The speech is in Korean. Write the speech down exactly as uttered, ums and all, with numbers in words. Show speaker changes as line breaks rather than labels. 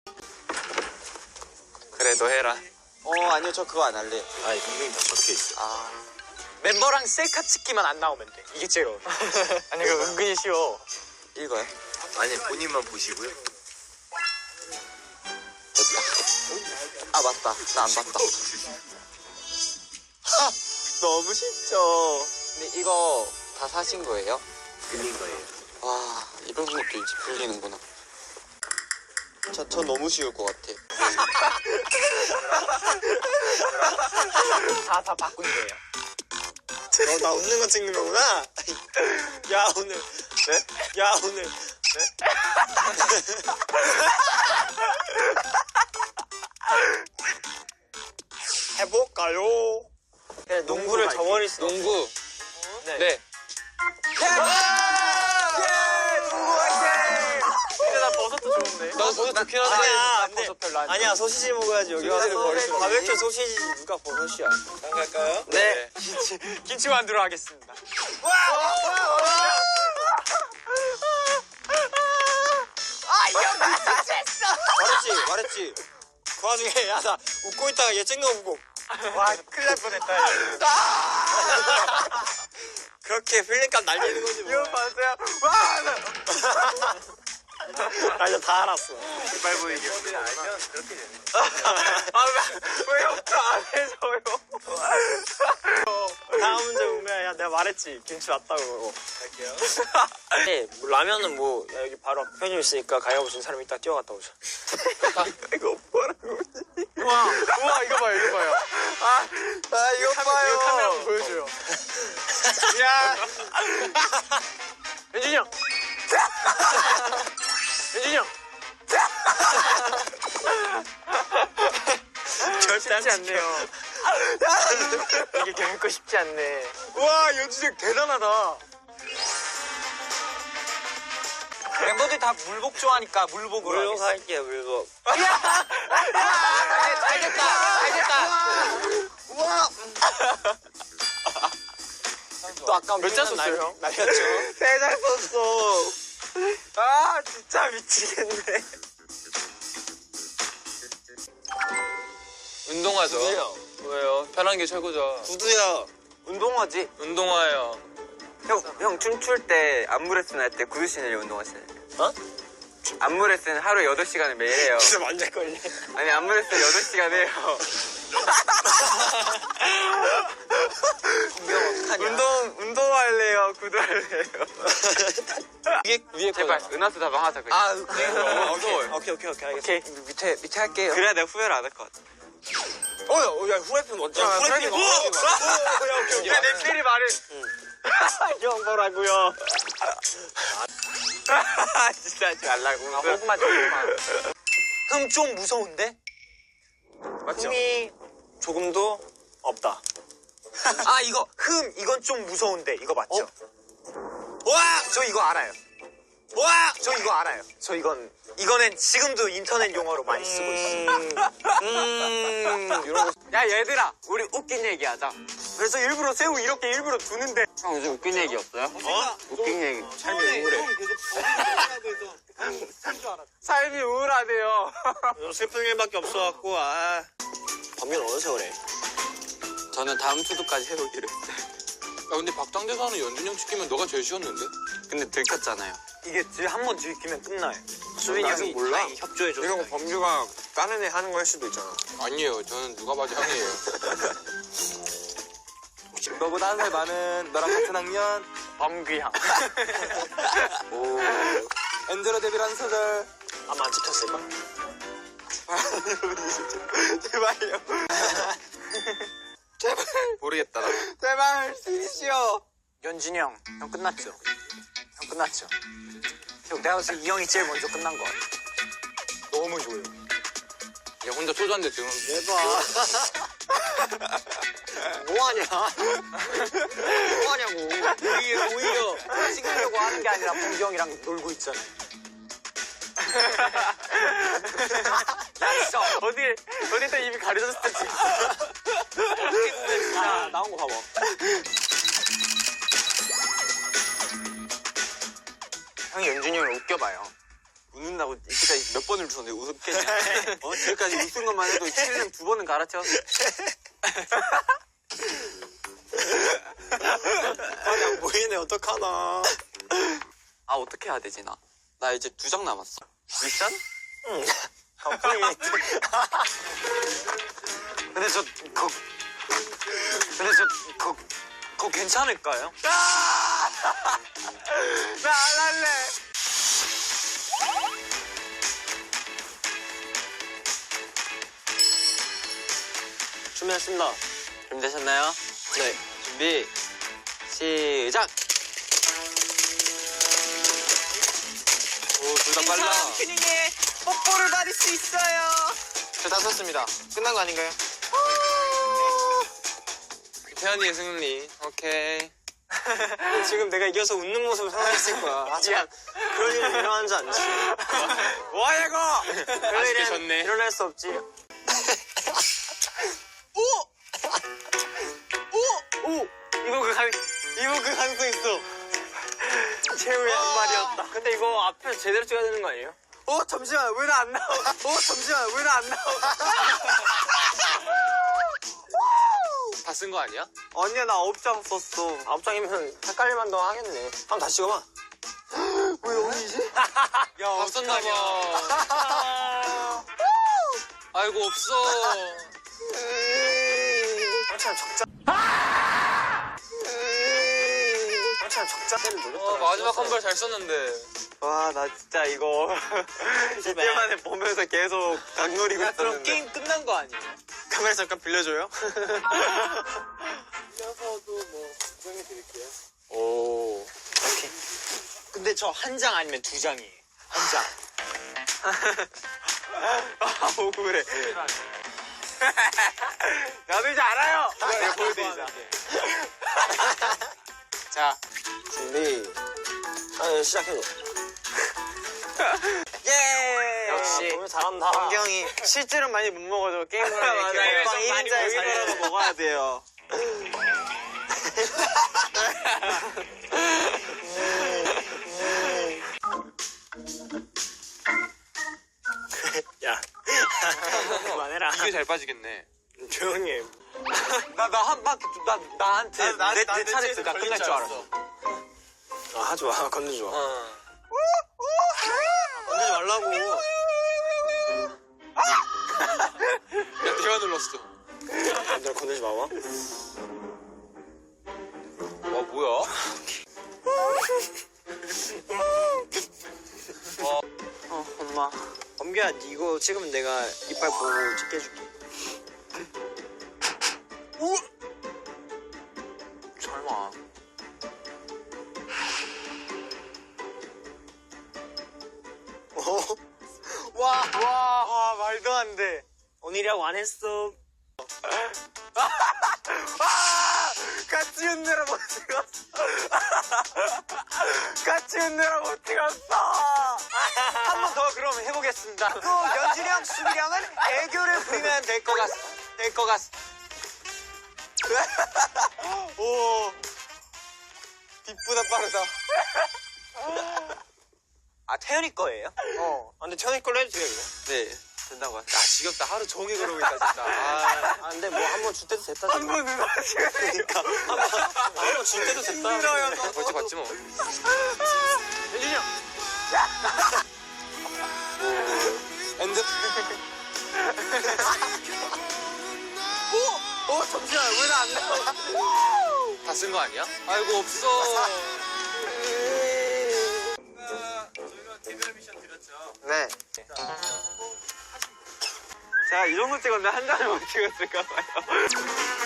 그래 너 해라.
어 아니요 저 그거 안 할래.
아 이름이 다 적혀있어.
아
멤버랑 셀카 찍기만 안 나오면 돼. 이게 제일 어려워. 아니 이거 은근히 쉬워.
읽어요?
아니 본인만 보시고요.
됐다. 아 맞다 나 안 봤다. 하 너무 쉽죠. 근데 이거 다 사신 거예요?
빌린 거예요.
와 이런 것도 이제 풀리는구나. 저, 저 너무 쉬울 것 같아.
다 다 바꾼 거예요.
너 나 웃는 거 찍는 거구나? 야 오늘 네? 야 오늘 네? 해볼까요? 그래 농구를 저버릴 수 없어.
농구.
네.
네.
근데 나 버섯도 좋은데.
나 버섯 좋긴 한데.
아니야
나
안돼.
버섯 별로 안 좋아.
아니야 소시지 먹어야지 여기 와서 버릴 수. 바베큐 소시지 누가 버섯이야? 갈까요?
네. 김치, 김치 만두로 하겠습니다.
말했지 말했지. 그 와중에 야 나 웃고 있다가 얘 찍는 거 보고
와, 큰일 날 뻔했다.
그렇게 필름감 날리는 거지 뭐.
이거 봤어요? 와!
나 이제 다 알았어.
이빨 보이게 알면 그렇게 되는
아, 왜, 왜 협조 안 해줘요?
다음 문제 보면 야 내가 말했지 김치 왔다고.
할게요.
네, 뭐 라면은 뭐 야, 여기 바로 앞에 편의점 있으니까 가위바위보 준 사람이 이따 뛰어갔다 오자. 이거 뭐라고?
우와, 우와, 이거 봐요, 이거 봐요.
아 이거 봐요.
이거 카메라 한번 보여줘요. 야, 현준이 형. 현준이 형.
절대 안
쉽지 않네요. 이게 결코 쉽지 않네.
와 연준이 형 대단하다.
멤버들이 다 물복 좋아하니까 물복으로
물복 할게요 물복.
잘 됐다, 잘 됐다.
우와. 또 아까
몇 장 썼어요, 형?
날렸죠. 세 장 썼어. 아 진짜 미치겠네.
운동하죠.
구두요.
왜요? 편한 게 최고죠.
구두야.
운동화지.
운동화예요.
형, 형 춤출 때 안무 레슨 할 때 구두 신으려 운동하시나요?
어?
안무 레슨 하루 여덟 시간을 매일 해요.
진짜 만질걸래.
아니 안무 레슨 여덟 시간 해요. 운동 운동할래요? 구두 할래요?
위에 위에
제발
거잖아.
은하수 다방 하자 그냥.
아 네. 오케이 오케이 오케이 오케이 알겠어.
오케이, 밑에, 밑에 할게요.
그래야 내가 후회를 안 할 것 같아.
어야 야 후라이팬 먼저.
야,
후라이팬
후라이팬
먼저.
먼저.
오야 오케이 오케이.
내 필이 말을.
형 뭐라고요?
진짜 하지 말라고.
아, 호구만 줘, 호구만. 흠 좀 무서운데?
맞죠? 흠이 조금도 없다.
아, 이거, 흠, 이건 좀 무서운데. 이거 맞죠?
와!
저 이거 알아요.
와!
저 이거 알아요. 저 이건, 이거는 지금도 인터넷 용어로 많이 쓰고 있어.
음 이런 거.
야 얘들아, 우리 웃긴 얘기 하자.
그래서 일부러 새우 이렇게 일부러 두는데.
형 요즘 웃긴 얘기 없어요?
어?
웃긴 얘기.
삶이 우울해.
삶이 우울하대요.
요즘 슬픈 일밖에 없어갖고 아. 밤면 어느 세월에?
저는 다음 주도까지 해보기로 했어요.
야 근데 박장대사는 연준이 형 시키면 너가 제일 쉬웠는데?
근데 들켰잖아요.
이게 한 번 들키면 끝나요.
수빈이 형이
몰라?
다행히 협조해줬어. 이런 거 범규가 다른 애 하는 거 할 수도 있잖아.
아니에요. 저는 누가 봐도 형이에요.
너보다 한 살 많은 너랑 같은 학년
범귀향.
오 엔젤로 데뷔라는 소절.
아마 안 찍혔을걸?
제발요. 제발
모르겠다.
제발 쓰시오.
연진이 형, 형 끝났죠? 형 끝났죠? 형, 내가 봤을 때 이 형이 제일 먼저 끝난 것 같아. 너무 좋아요.
야 혼자 소주 한대 지금.
대박. 뭐하냐? 뭐하냐고. 오히려, 오히려.
찍으려고 하는 게 아니라 범규 형이랑 놀고 있잖아요. 나 진짜 어디, 어디다 입이 가려졌을 때 진짜. 어떻게 보면 진짜 나온 거 봐봐. 형이 연준이 형을 웃겨봐요.
웃는다. 웃는다고 이때까지 몇 번을 주는데 웃겠냐? 어? 지금까지 웃은 것만 해도 칠등 두 번은 갈아채웠어.
아니 안 보이네 어떡하나.
아, 어떻게 해야 되지, 나? 나 이제 두 장 남았어. 미션?
응. 갑자기. 근데 저 그, 근데 저 그, 그거 괜찮을까요? 나 안 할래. 준비했습니다.
준비되셨나요?
네.
준비, 시작! 오, 둘 다 빨라.
튜닝에 뽀뽀를 받을 수 있어요. 저 다 썼습니다. 끝난 거 아닌가요?
태연이의 승리. 오케이.
지금 내가 이겨서 웃는 모습을 상상했을 거야. 하지만 그럴 일은 일어나지 않지. 뭐야 이거? 그럴
아쉽게
일은
졌네.
일어날 수 없지. 오! 오! 오! 이거 그 가, 이거 그 가능성 있어. 최후의 한 발이었다. 근데 이거 앞에 제대로 찍어야 되는 거 아니에요? 어 잠시만 왜 나 안 나와? 어 잠시만 왜 나 안 나와?
다 쓴 거 아니야?
아니야 나 아홉 장 썼어. 아홉 장이면 헷갈릴만 더 하겠네. 한번 다시 찍어봐. 왜 여기지? 야
다 썼나 봐. 아이고, 없어.
참 적자. 참 적자를
어,
눌렀잖아.
마지막 한 발 잘 썼는데.
와, 나 진짜 이거 이때 만에 보면서 계속 닭놀이고
야, 그럼
있었는데.
게임 끝난 거 아니에요? 카메라 잠깐 빌려줘요?
오.
근데 저 한 장 아니면 두 장이에요. 한 장.
아, 억울해. 나도 이제 알아요.
이거 보여드리자. 자, 준비. 아, 시작해줘.
예!
역시. 오늘 잘한다.
강경이 실제로 많이 못 먹어도 게임을 하면
맞아요.
이렇게 먹방
좀
일
많이
인자에
먹이더라도
살려서 먹어야 돼요.
야. 그만해라.
이게 잘 빠지겠네.
조용히 해.
나, 나 한 바퀴, 나, 나한테,
나-
내,
나-
내
내
차례
차례에서
나
걸릴
끝날
줄
줄 알았어.
아, 하지 마. 건들지 마.
어.
건들지 말라고.
야, 대화 눌렀어.
너 건들지 마봐.
와, 뭐야?
어, 엄마. 범규야, 이거 찍으면 내가 이빨 보고 찍게 해줄게. 오!
설마.
어? 와, 와, 와, 말도 안 돼. 오늘이라고 안 했어. 아! 같이 웃느라 못 찍었어. 같이 웃느라 못 찍었어. 한 번 더 그럼 해보겠습니다. 또 연진이 형, 수빈이 형은 애교를 부리면 될 것 같, 될것 같. 오, 뒷보다 빠르다. 아, 태연이 거예요? 어. 아, 근데 태연이 걸로 해도 돼요, 이거?
네, 된다고 하죠.
야, 지겹다. 하루 종일 그러고 있다, 진짜. 아,
아, 근데 뭐 한 번 줄 때도 됐다.
한 번은 하시니까.
한 번 줄 때도 됐다.
힘들어요.
벌칙 받지 뭐.
연진이 형.
엔드. 오! 오, 잠시만, 왜 나 안 나와?
다 쓴 거 아니야? 아이고, 없어.
네. 제가 이 정도 찍었는데 한 잔을 못 찍었을까 봐요.